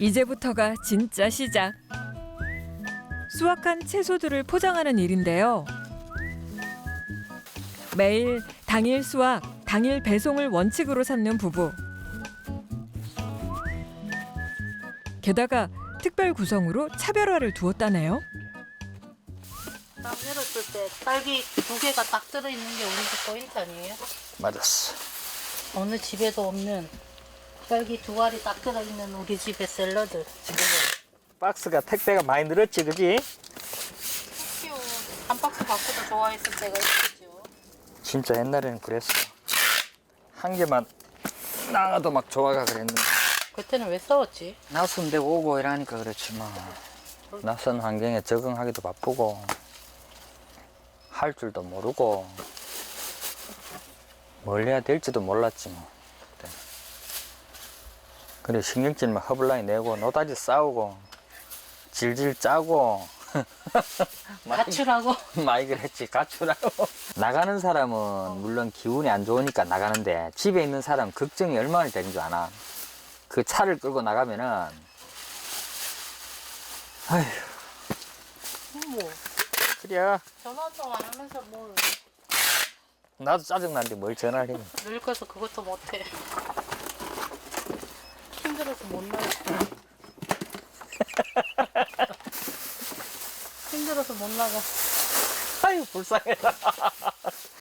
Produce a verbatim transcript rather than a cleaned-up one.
이제부터가 진짜 시작. 수확한 채소들을 포장하는 일인데요. 매일 당일 수확, 당일 배송을 원칙으로 삼는 부부. 게다가 특별 구성으로 차별화를 두었다네요. 딱 열었을 때 딸기 두 개가 딱 들어있는 게 우리 집 포인트 아니에요? 맞았어. 어느 집에도 없는 딸기 두 알이 딱 들어있는 우리 집의 샐러드. 지금은 박스가 택배가 많이 늘었지, 그지? 귀여워. 한 박스 갖고도 좋아했을 때가 있었죠. 진짜 옛날에는 그랬어. 한 개만 나가도 막 좋아가 그랬는데. 그때는 왜 싸웠지? 낯선 데 오고 이러니까 그렇지 뭐. 낯선 환경에 적응하기도 바쁘고 할 줄도 모르고 뭘 해야 될지도 몰랐지 뭐. 그때. 그래 신경질 막 허블라이 내고 노다지 싸우고 질질 짜고 가출하고. 많이 그랬지. 가출하고. 나가는 사람은 물론 기운이 안 좋으니까 나가는데 집에 있는 사람 걱정이 얼마나 되는 줄 아나. 그 차를 끌고 나가면은 아휴 뭐 그래. 전화도 안 하면서 뭘 나도 짜증나는데 뭘 전화를 해. 늙어서 그것도 못해. 힘들어서 못 나가. 힘들어서 못 나가. 아유 불쌍해라.